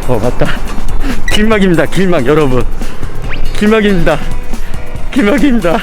맞다. 길막입니다. 길막 여러분. 길막입니다. 길막입니다.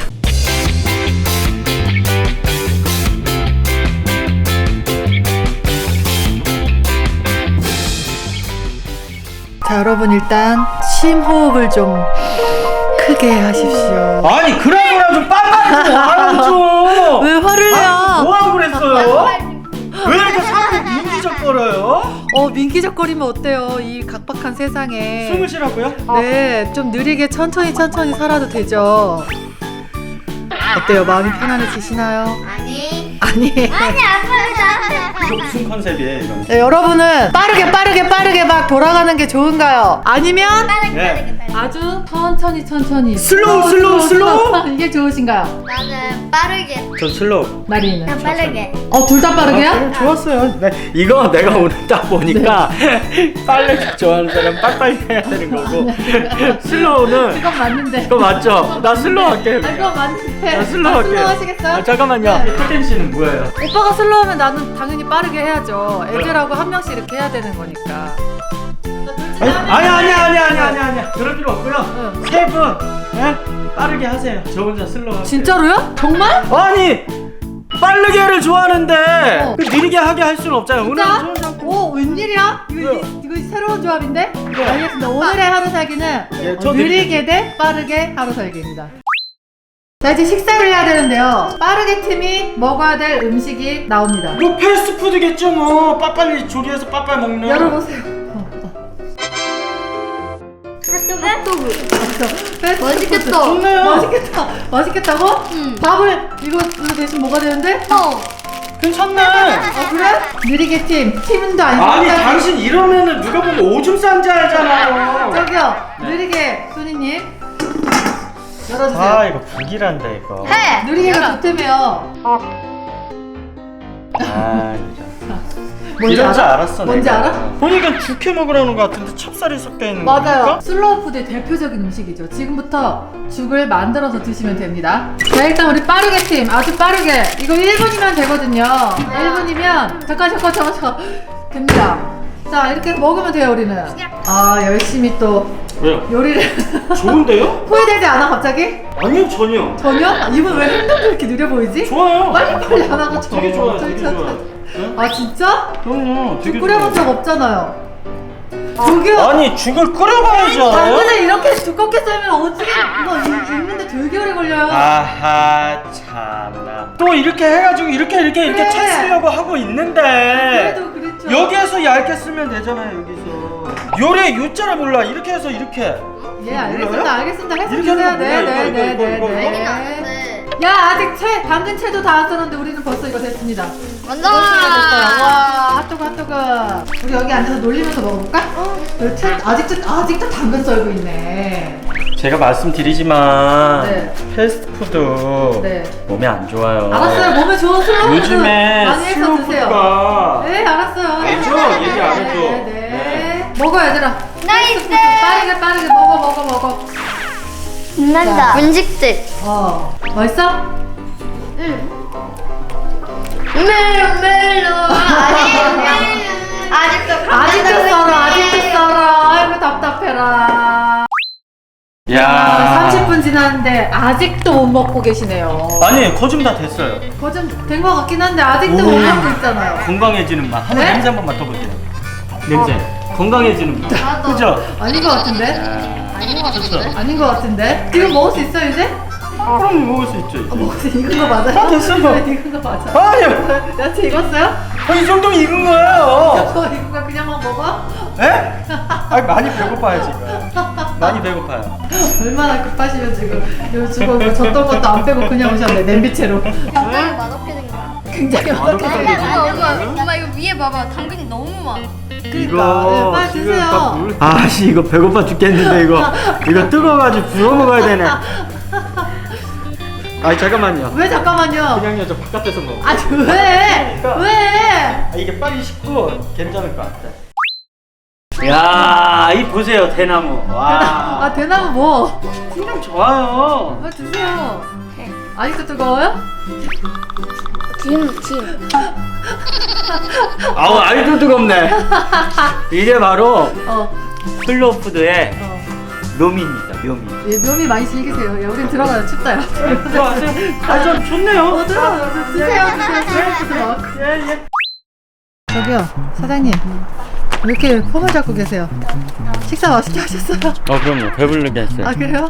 자, 여러분 일단 심호흡을 좀 크게 하십시오. 아니 그러구나 좀 빨리 좀 하라고 좀. 왜 화를 내요? 뭐하고 그랬어요? 왜 이렇게 사람이 민기적거려요? 민기적거리면 어때요? 이 각박한 세상에. 숨을 쉬라고요? 네, 좀 느리게 천천히 살아도 되죠. 어때요? 마음이 편안해지시나요? 아니 아니. 아빠 이거 무슨 컨셉이에요 이건? 네, 여러분은 빠르게 막 돌아가는 게 좋은가요? 아니면 네. 아주 천천히 슬로우? 이게 좋으신가요? 나는 빠르게 전 슬로우. 마리는? 난 빠르게 둘 다 빠르게요? 좋았어요. 네. 이거 내가 오늘 딱 보니까 빨리 좋아하는 사람 빨리빨리 해야 되는 거고 슬로우는 그건 맞는데. 그거 맞죠? 나 슬로우 할게. 그건 맞는데. 나 슬로우 할게. 슬로우 하시겠어요? 잠깐만요. 네. 태템 씨는 뭐예요? 오빠가 슬로우 하면 나는 당연히 빠르게 해야죠. 애들하고 한 명씩 이렇게 해야 되는 거니까. 아니야. 그럴 필요 없고요. 응. 세 분, 예? 빠르게 하세요. 저 혼자 슬로우 할게요. 진짜로요? 정말? 아니 빠르게를 좋아하는데 어. 그 느리게 하게 할 수는 없잖아요. 오늘 진짜? 저 혼자 오, 웬일이야? 이거 새로운 조합인데? 알겠습니다. 오늘의 하루 살기는 예, 저 느리게 대 빠르게 하루 살기입니다. 자, 이제 식사를 해야 되는데요. 빠르게 팀이 먹어야 될 음식이 나옵니다. 뭐 패스트푸드겠죠 뭐. 빠빨리 조리해서 빠빨 먹는. 열어보세요. 핫도그? 맛있겠다. 좋네요. 맛있겠다고? 응. 밥을 이거 대신 뭐가 되는데? 괜찮네. 그래? 느리게 팀도 아니고. 아니 당신 이러면은 누가 보면 오줌 싼지 알잖아요. 저기요, 느리게 소니님 열어주세요. 아 이거 불길한데 이거. 해! 느리게가 좋다며요. 아 진짜. 뭔지 이런 줄 알아? 알았어. 뭔지 내가. 알아? 보니까 죽해 먹으라는 것 같은데 찹쌀이 섞여 있는 맞아요. 거니까? 슬로우 푸드의 대표적인 음식이죠. 지금부터 죽을 만들어서 드시면 됩니다. 자, 일단 우리 빠르게 팀, 아주 빠르게. 이거 1분이면 되거든요. 1분이면 잠깐 됩니다. 자, 이렇게 먹으면 돼요, 우리는. 열심히 또 왜요? 요리를 좋은데요? 후회되지 않아, 갑자기? 아니요 전혀. 전혀? 이분 왜 행동이 이렇게 느려 보이지? 좋아요. 빨리 안 하고 되게 좋아요. 되게 좋아요. 네? 아, 진짜? 그럼요. 되게 끓여본 적 좋아요. 없잖아요. 저기요. 아니 죽을 끓여봐야죠. 당근을 이렇게 두껍게 썰면 어떻게 이거 익는데 되게 오래 걸려요. 아하 참나. 또 이렇게 해가지고 이렇게 그래. 채 쓰려고 하고 있는데 그래도 그렇죠. 여기에서 얇게 쓰면 되잖아요. 여기서 요래 요자를 몰라. 이렇게 해서 이렇게. 예, 알겠습니다. 몰라요? 알겠습니다. 해서 이렇게 하는 주세요. 거 몰라요. 이거, 이거. 알긴 네. 아는데 야, 아직 당근 채도 다 안 썼는데 우리는 벌써 이거 됐습니다. 완전 됐어요. 와, 핫도그. 우리 여기 앉아서 놀리면서 먹어볼까? 아직도 당근 썰고 있네. 제가 말씀드리지만 네. 패스트푸드 네. 몸에 안 좋아요. 알았어요. 몸에 좋은 슬로우 요즘에 많이 해서 드세요. 슬로푸드가 네, 알았어요. 알죠? 얘기 안 해도. 네. 먹어, 얘들아. 나이스! 빠르게 먹어. 빛난다 분식집 맛있어? 응 멜로 아직도 썰어. 아이고, 답답해라. 야. 30분 지났는데 아직도 못 먹고 계시네요. 아니 거좀 다 됐어요. 거좀 된 것 같긴 한데 아직도 못 먹고 있잖아요. 건강해지는 맛. 한번 네? 냄새 한번 맡아보세요. 냄새. 건강해지는 맛. 나도. 그죠? 아닌 것 같은데? 아닌 것 같은데? 아닌 것 같은데? 지금 먹을 수 있어 이제? 그럼 먹을 수 있죠. 이제. 먹을 수 익은 거 맞아요? 됐어, 이거. 익은 거 맞아. 아니요. 야채 익었어요? 이 정도면 익은 거예요. 저 익은 거 그냥만 먹어? 에? 아니 많이 배고파요 지금. 많이 배고파요. 얼마나 급하시면 지금 졌던 것도 안 빼고 그냥 오셨네, 냄비채로. 굉장히 맛없게 생겼어 굉장히 맛없게 생겼네. 엄마 이거 위에 봐봐 당근이 너무 많아 그러니까, 빨리 드세요. 아씨 이거 배고파 죽겠는데 이거 뜨거워가지고 부어 먹어야 되네. 아니 잠깐만요. 왜 잠깐만요? 그냥요 저 바깥에서 먹어. 아, 왜? 왜? 아, 이게 빨리 식고 괜찮을 것 같아. 야, 이 보세요 대나무. 와. 대나무 뭐? 풍경 좋아요. 드세요. 아직도 뜨거워요? 김 아우 아이도 뜨겁네. 이게 바로 슬로우 푸드의 어. 묘미입니다. 묘미. 예, 묘미 많이 즐기세요. 야, 우린 들어가요. 춥다요. 좀 좋네요. 들어가요. 드세요. 드세요. 예. 저기요, 사장님. 왜 이렇게 폼을 잡고 계세요? 식사 맛있게 하셨어요? 그럼요. 배부르게 했어요. 아, 그래요?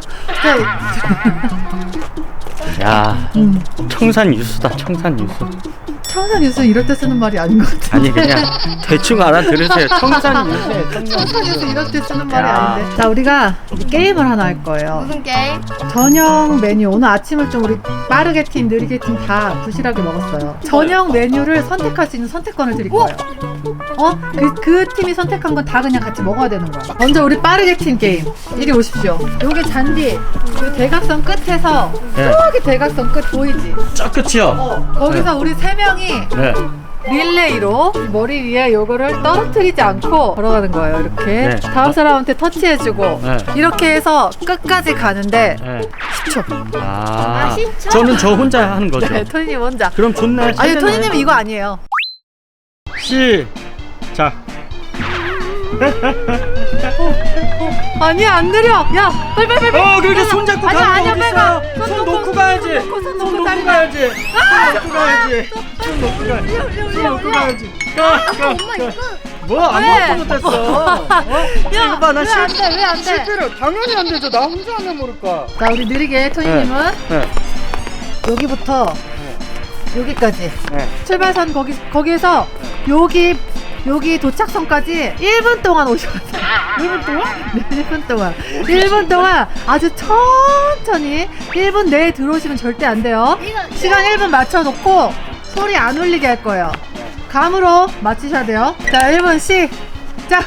야, 청산 유수다. 청산 유수. 청산 유수 이럴 때 쓰는 말이 아닌 것 같은데. 아니 그냥 대충 알아들으세요. 청산 유수예요. 청산 유수 이럴 때 쓰는 말이 야. 아닌데. 자, 우리가 이제 게임을 하나 할 거예요. 무슨 게임? 저녁 메뉴. 오늘 아침을 좀 우리 빠르게 팀, 느리게 팀 다 부실하게 먹었어요. 저녁 메뉴를 선택할 수 있는 선택권을 드릴 거예요. 그 팀이 선택한 건 다 그냥 같이 먹어야 되는 거야. 먼저 우리 빠르게 팀 게임. 이리 오십시오. 요게 잔디. 그 대각선 끝에서 네. 저기 대각선 끝 보이지? 저 끝이요. 거기서 우리 세 명이 네. 릴레이로 머리 위에 요거를 떨어뜨리지 않고 걸어가는 거예요. 이렇게 네. 다음 사람한테 터치해주고 네. 이렇게 해서 끝까지 가는데 네. 10초. 아, 진짜? 저는 저 혼자 하는 거죠. 네, 토니님 혼자. 그럼 좋네. 아니 토니님은 이거 아니에요. 시작. 아니야 안 느려. 야 빨리. 그렇게 손 잡고 아니야, 가는 아니야, 거 빨리 어딨어요? 가. 손 놓고 가야지. 손 손 놓고 놓고 다리 가야지. 손 놓고 가야지. 손 놓고 가야지. 손 놓고 가야지. 가. 뭐 아무것도 못했어. 야, 이거 봐, 나 왜 안 돼? 왜 안 돼? 실패를 당연히 안 되죠. 나 혼자 하면 모를까. 자 우리 느리게 토니님은 네. 여기부터 여기까지 네. 출발선 거기에서 여기 도착선까지 1분 동안 오셔야 돼요. 1분 동안? 네, 1분 동안. 1분 동안 아주 천천히 1분 내에 들어오시면 절대 안 돼요. 시간 1분 맞춰놓고 소리 안 울리게 할 거예요. 감으로 맞추셔야 돼요. 자, 1분 시작!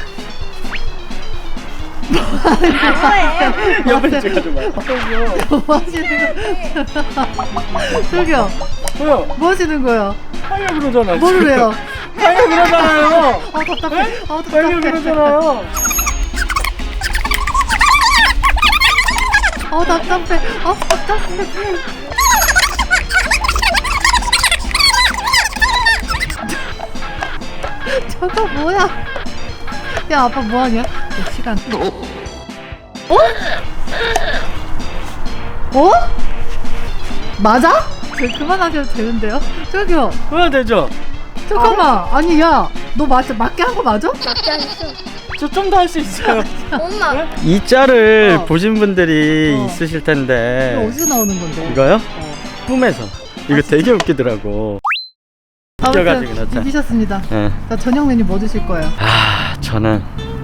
옆에 찍어줘 봐. 뭐 하시는 거예요? 저기요, 뭐요? 뭐 하시는 거예요? 하려 그러잖아. 뭐를 해요? 하려 그러잖아요. 답답해. 하려 답답해. 그러잖아요. 답답해. 답답해. 저거 뭐야? 야, 아빠 뭐하냐? 시간. 어? 맞아? 그만하셔도 되는데요? 저기요. 그래야 되죠. 잠깐만. 아니, 야. 너 맞게 한 거 맞아? 맞지 않았어. 저 좀 더 할 수 있어요. 엄마. 이 짤을 보신 분들이 어. 있으실 이거 텐데. 어디서 나오는 건데? 이거요? 꿈에서. 이거 되게 웃기더라고. 웃겨가지고 아무튼 그렇죠. 이기셨습니다. 예. 자, 저녁 메뉴 뭐 드실 거예요? 저는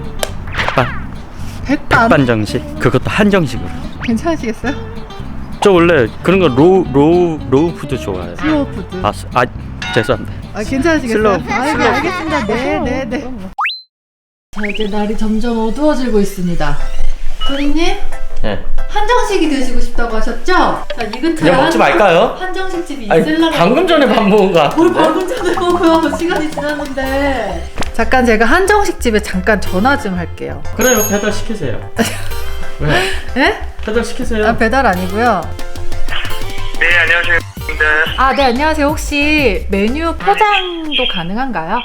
백반. 백반정식. 그것도 한정식으로. 괜찮으시겠어요? 저 원래 그런 거 로우 푸드 좋아해요. 슬로우 푸드. 죄송합니다. 괜찮으시겠어요? 슬로우. 아이고, 알겠습니다. 네. 자, 이제 날이 점점 어두워지고 있습니다. 토리님, 네. 한정식이 드시고 싶다고 하셨죠? 자, 이 근처에 그냥 먹지 말까요? 한정식 집이 아니, 있을라나? 방금 전에 밥 먹은 거 뭘 같은데. 방금 전에 먹어요? 시간이 지났는데. 잠깐 제가 한정식 집에 잠깐 전화 좀 할게요. 그래요. 배달 시키세요. 왜? 예? 배달 시키세요. 배달 아니고요. 네, 안녕하세요. 네. 네, 안녕하세요. 혹시 메뉴 포장도 가능한가요?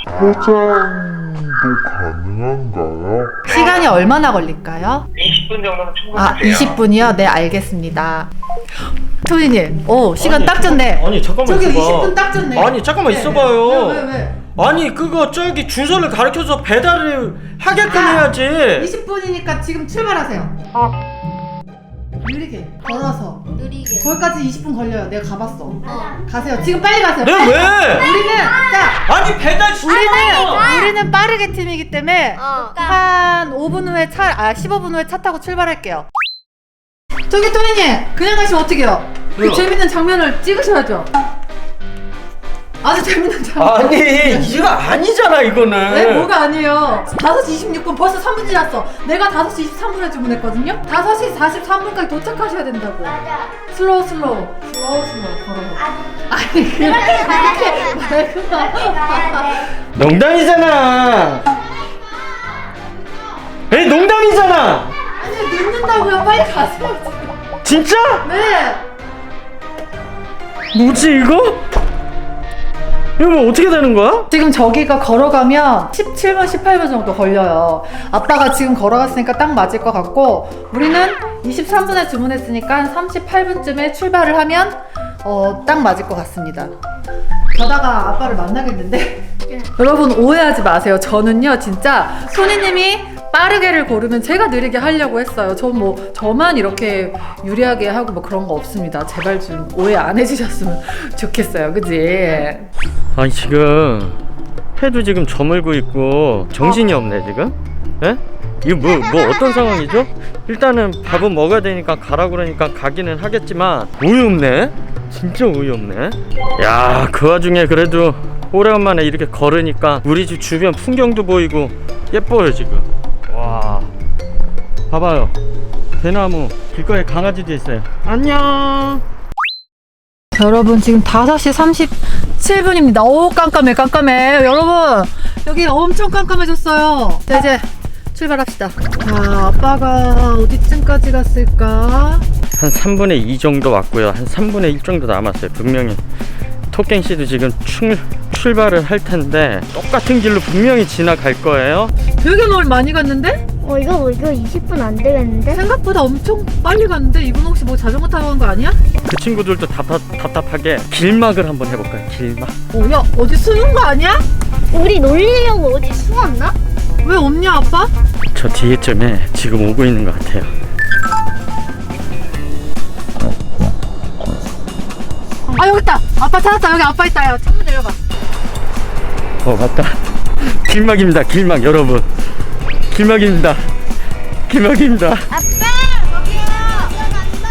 가능한가요? 시간이 얼마나 걸릴까요? 20분 정도면 충분하세요. 20분이요? 네, 알겠습니다. 토니님, 시간 아니, 딱 좋네. 아니 잠깐만 저기 있어봐. 20분 딱 좋네. 아니 잠깐만 네, 있어봐요. 왜? 아니 그거 저기 주소를 가르쳐서 배달을 하게끔 해야지. 20분이니까 지금 출발하세요. 느리게 걸어서 느리게. 거기까지 20분 걸려요. 내가 가봤어. 가세요. 지금 빨리 가세요. 네 빨리. 왜? 우리는 자, 아니 배달 우리는 빠르게 팀이기 때문에 한 5분 후에 15분 후에 차 타고 출발할게요. 저기 토니님, 그냥 가시면 어떡해요? 그 왜요? 재밌는 장면을 찍으셔야죠. 아주 재밌는 장면. 아니 이거 아니잖아 이거는. 네, 뭐가 아니에요. 5시 26분 벌써 3분 지났어. 내가 5시 23분에 주문했거든요. 5시 43분까지 도착하셔야 된다고. 슬로우 걸어요. 아니 그렇게 말고. 농담이잖아. 에이 농담이잖아. 아니 늦는다고요. 빨리 가세요. 진짜? 네. 뭐지 이거? 이거 뭐 어떻게 되는 거야? 지금 저기가 걸어가면 17분, 18분 정도 걸려요. 아빠가 지금 걸어갔으니까 딱 맞을 것 같고, 우리는 23분에 주문했으니까 38분쯤에 출발을 하면 딱 맞을 것 같습니다. 가다가 아빠를 만나겠는데 여러분 오해하지 마세요. 저는요 진짜 손님이 빠르게를 고르면 제가 느리게 하려고 했어요. 저만 이렇게 유리하게 하고 뭐 그런 거 없습니다. 제발 좀 오해 안 해주셨으면 좋겠어요. 그지? 아니 지금 해도 지금 저물고 있고 정신이 없네 지금. 예? 이거 뭐 어떤 상황이죠? 일단은 밥은 먹어야 되니까 가라고 그러니까 가기는 하겠지만 어이없네. 진짜 어이없네. 야, 그 와중에 그래도 오래간만에 이렇게 걸으니까 우리 집 주변 풍경도 보이고 예뻐요 지금. 와, 봐봐요. 대나무 길거리에 강아지도 있어요. 안녕. 여러분 지금 5시 37분입니다. 오 깜깜해. 여러분 여기 엄청 깜깜해졌어요. 자 이제 출발합시다. 자 아빠가 어디쯤까지 갔을까? 한 3분의 2 정도 왔고요. 한 3분의 1 정도 남았어요. 분명히 토깽씨도 지금 출발을 할 텐데 똑같은 길로 분명히 지나갈 거예요. 되게 많이 갔는데? 이거 20분 안 되겠는데? 생각보다 엄청 빨리 갔는데 이분 혹시 뭐 자전거 타고 간 거 아니야? 그 친구들도 답답하게 길막을 한번 해볼까요? 길막. 야 어디 숨은 거 아니야? 우리 놀리려고 어디 숨었나? 왜 없냐 아빠? 저 뒤에쯤에 지금 오고 있는 것 같아요. 아 여기 있다. 아빠 찾았다. 여기 아빠 있다. 야 창문 내려봐. 맞다. 길막입니다. 길막 여러분. 길막입니다. 길막입니다. 아빠! 저기요! 간다!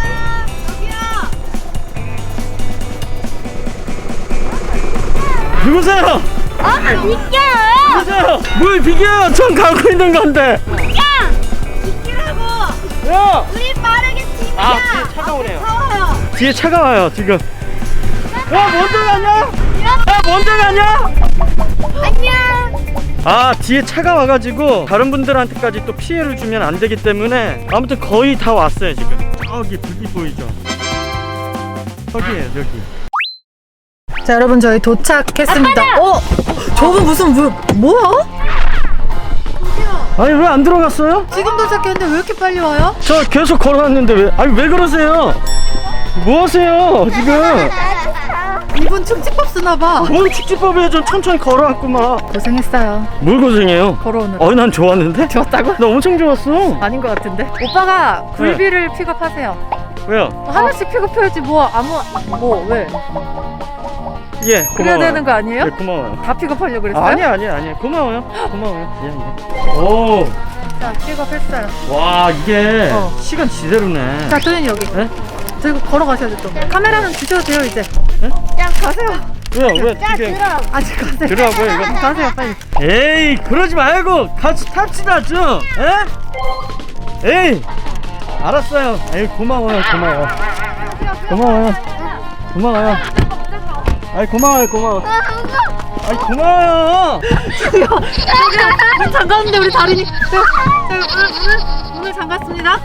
저기요! 누구세요? 비켜! 누구세요? 뭘 비교해요? 전 가고 있는 건데. 비키라고! 야! 우리 빠르게 팀이야! 아, 뒤에 차가 오네요. 차와요. 뒤에 차가 와요 지금. 야, 먼저 가냐? 야, 먼저 가냐? 안녕! 아, 뒤에 차가 와가지고 다른 분들한테까지 또 피해를 주면 안 되기 때문에 아무튼 거의 다 왔어요 지금. 저기 불빛 보이죠? 저기에요 저기. 자 여러분 저희 도착했습니다. 저분 무슨 뭐야? 아니 왜 안 들어갔어요? 지금 도착했는데 왜 이렇게 빨리 와요? 저 계속 걸어왔는데 왜 그러세요? 뭐 하세요 지금? 이분 축지법 쓰나봐. 뭔 축지법이에요? 전 천천히 걸어왔구만. 고생했어요. 뭘 고생해요? 걸어오느라. 난 좋았는데? 좋았다고? 나 엄청 좋았어. 아닌 것 같은데. 오빠가 굴비를 픽업하세요. 왜요? 하나씩 픽업해야지 왜? 예, 고마워요. 그래야 되는 거 아니에요? 네, 고마워요. 다 픽업하려고 그랬어요? 아니야. 고마워요. 오, 자 픽업했어요. 와 이게 어. 시간 지대로네. 자 도현이 여기. 네? 저기 걸어가셔야 돼 또. 카메라는 주셔도 돼요 이제. 네? 야 가세요. 왜요? 왜 자, 이게 들어! 아직 가세요. 들어가고요 이거? 가세요 빨리. 에이 그러지 말고 같이 탑시다 좀. 에? 에이 알았어요. 에이 고마워요. 아이 고마워요. 아이 고마워요. 문 잠갔는데 우리 다리니. 문을 잠갔습니다.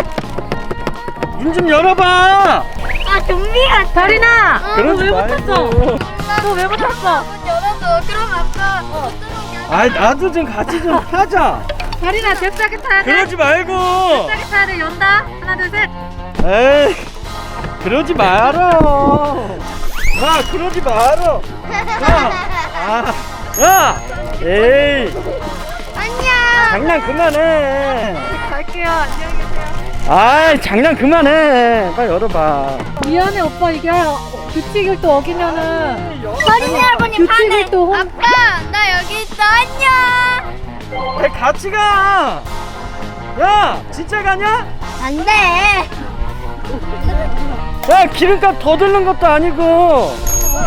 문 좀 열어봐. 좀비가 다리나. 그러지 왜 말고. 못했어? 너 왜 못했어? 열어줘. 그럼 아빠 못 들어오게 아이 나도 좀 같이 좀 타자. 다리나 잽싸게 타야 돼. 그러지 말고. 잽싸게 타야 돼. 연다. 하나 둘 셋. 에이 그러지 말아요. 그러지 말아. 야 에이 안녕! 장난 그만해. 갈게요. 안녕히 계세요. 아이 장난 그만해. 빨리 열어봐. 미안해 오빠 이게 규칙을 또 어기면은 어린이 할머니 규칙을 또 아빠 나 여기 있어 안녕! 왜 같이 가? 야 진짜 가냐? 안돼! 야 기름값 더 드는 것도 아니고.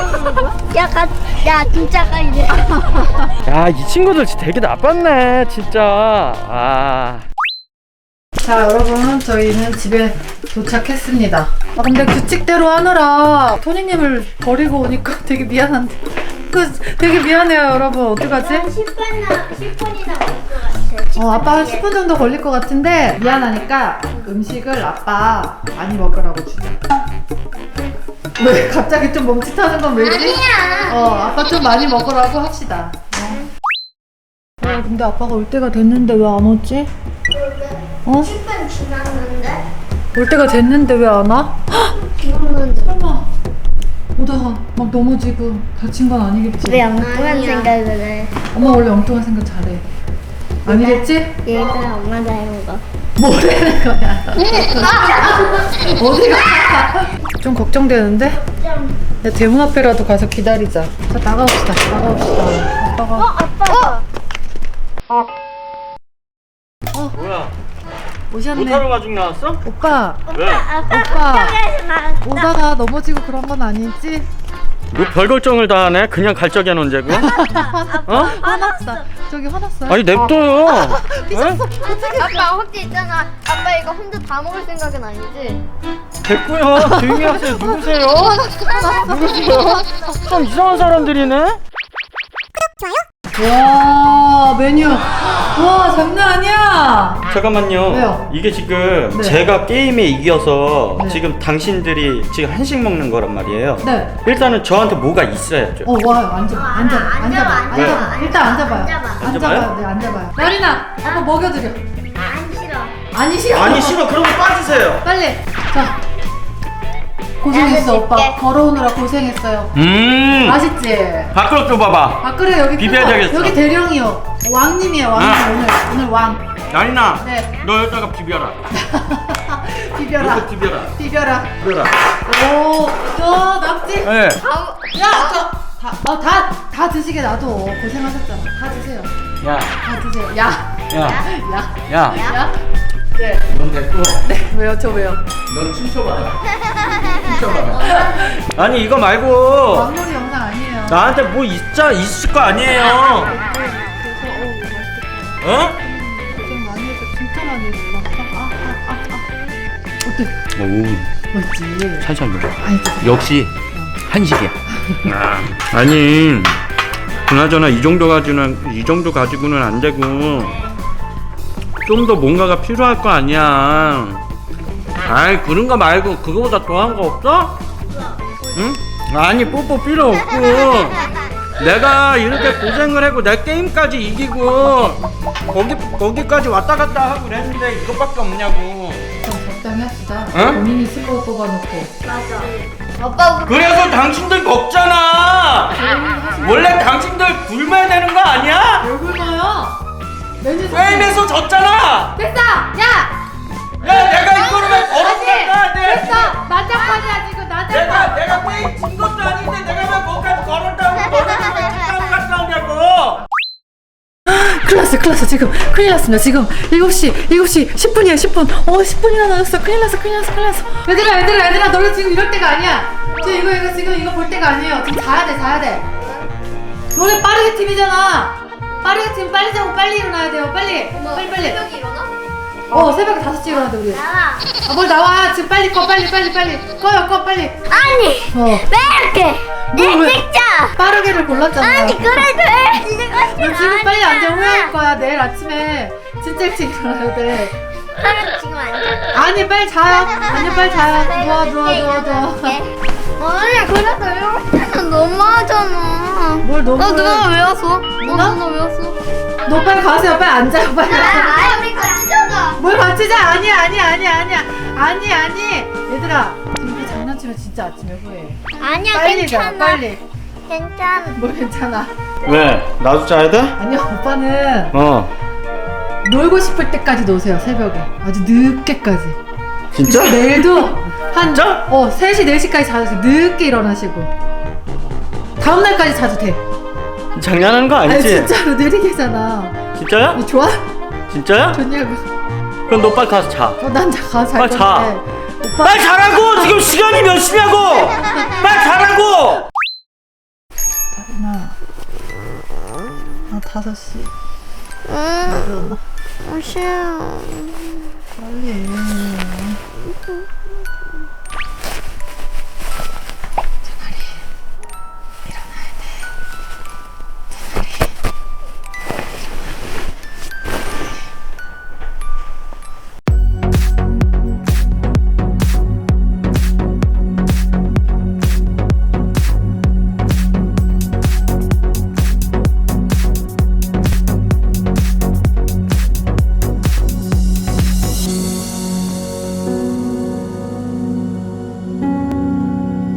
야 진짜 가 이제 야 이 친구들 진짜 되게 나빴네 진짜. 자 여러분 저희는 집에 도착했습니다. 근데 규칙대로 하느라 토니님을 버리고 오니까 되게 미안한데 되게 미안해요 여러분. 어떡하지? 10분이나 걸릴 것 같아. 아빠 한 10분 정도 걸릴 것 같은데 미안하니까 음식을 아빠 많이 먹으라고 주자. 왜 갑자기 좀 멈칫하는 건 왜지? 아니야. 아빠 좀 많이 먹으라고 합시다. 근데 아빠가 올 때가 됐는데 왜 안 오지? 어? 10분 지났는데? 올 때가 됐는데 왜 안 와? 지났는데. 설마 오다가 막 넘어지고 다친 건 아니겠지? 왜 엉뚱한 생각을 해? 엄마 원래 엉뚱한 생각 잘해. 아니겠지? 얘가 엄마 닮은 거. 뭐라는 거야? 어디가? 좀 걱정되는데? 야, 대문 앞에라도 가서 기다리자. 자, 나가봅시다. 아빠가. 아빠. 뭐야? 오셨네. 모타로 가죽 나왔어? 오빠, 왜? 오빠. 오다가 넘어지고 그런 건 아니지? 뭐 별 걱정을 다 하네? 그냥 갈 적이야 논제고? 어? 화났어. 저기 화났어요? 아니 냅둬요. 아빠 혹시 있잖아. 아빠 이거 혼자 다 먹을 생각은 아니지? 됐고요. 조용히 하세요. 누구세요? 누구세요? 참 이상한 사람들이네. 와, 메뉴. 와, 장난 아니야. 잠깐만요. 왜요? 이게 지금 네. 제가 게임에 이겨서 네. 지금 당신들이 지금 한식 먹는 거란 말이에요. 네. 일단은 저한테 뭐가 있어야죠. 와요. 앉아봐. 왜? 일단 앉아봐요. 앉아봐. 앉아봐요? 네, 앉아봐요. 나리나, 아빠 먹여드려. 안 싫어. 아니, 싫어. 아니 싫어. 그러면 빠지세요. 빨리. 자. 고생했어, 나도 오빠. 줄게. 걸어오느라 고생했어요. 맛있지? 밖으로 줘봐봐. 아, 그래, 여기 비벼야 크다. 되겠어. 여기 대령이요. 왕님이에요, 왕님. 아. 오늘 왕. 나리나. 네. 너 여기다가 비벼라. 비벼라. 이렇게 비벼라. 비벼라. 비벼라. 오, 저 낙지. 네. 야, 다 드시게 놔둬. 고생하셨잖아. 다 드세요. 야. 다 드세요. 야, 야. 야. 야. 네. 넌 됐고. 왜요? 저 왜요? 넌 춤춰봐라. 춤춰봐라. 아니 이거 말고 왕놀이 영상 아니에요. 나한테 뭐 있을 거 아니에요. 어? 고생 많이 했어. 진짜 많이 했어. 어때? 오, 멋지. 살살 먹어. 아니, 저 역시 한식이야. 아니, 그나저나 이 정도 가지고는 안 되고 좀 더 뭔가가 필요할 거 아니야. 아이 그런 거 말고 그거보다 더한 거 없어? 응? 아니 뽀뽀 필요 없고 내가 이렇게 고생을 하고 내 게임까지 이기고 거기까지 왔다 갔다 하고 그랬는데 이것밖에 없냐고. 좀 적당히 합시다. 응? 본인이 슬로우 뽑아놓고. 맞아. 아빠 그래서 당신들 먹잖아. 원래 당신들 굶어야 되는 거 아니야? 왜 굶어요? 메뉴 게임에서 졌잖아. 됐어! 야! 야 내가 이거를 왜 걸었을까? 됐어! 난장판이야 지금 난장판! 내가 게임 진 것도 아닌데 내가 왜 뭐까지 걸었다고 너네들 왜 뒷담 갔다 오냐고. 큰일 났어 지금 큰일 났습니다 지금 7시 10분이야 10분 10분이나 남았어 큰일 났어 얘들아 너네 지금 이럴 때가 아니야 지금 이거 볼 때가 아니에요 지금 자야 돼 너네 빠르게 팀이잖아 빠르게 팀 빨리 자고 빨리 일어나야 돼요 빨리 새벽에 일어나? 새벽에 5시에 일어나야 돼 우리 나와. 뭘 나와 지금 빨리 꺼 빨리 꺼요 빨리 아니 왜 이렇게 왜? 진짜 빠르게를 골랐잖아 아니 그래도 너 지금 빨리 앉아 후회할 거야 내일 아침에 진짜 일찍 일어나야 돼 그러면 지금 앉아. 아니 빨리 자요 아니 빨리 자요 누워 아니 그래도 이렇게는 너무하잖아. 뭘 너무 누나 왜 왔어? 누나? 누나 왜 왔어? 너 빨리 가세요 빨리 앉아요 빨리 아 우리 같이 자자. 뭘 같이 자 아니 얘들아 지금 이렇게 장난치면 진짜 아침에 후회해 아니야 빨리 자 괜찮아. 빨리 괜찮아. 뭘 괜찮아 왜? 나도 자야 돼? 아니야 오빠는 놀고 싶을 때까지 노세요 새벽에 아주 늦게까지 진짜? 내일도 한 진짜? 3시 4시까지 자서 늦게 일어나시고 다음날까지 자도 돼 장난하는 거 아니 아니지? 진짜로 느리게잖아 진짜야? 너 좋아? 진짜야? 좋냐고 그럼 너 빨리 가서 자. 난 잘 빨리 자. 건데 오빠 빨리 자라고! 지금 시간이 몇 시냐고! 빨리 자라고! 나 5시 응. 일어나 싫어. 빨리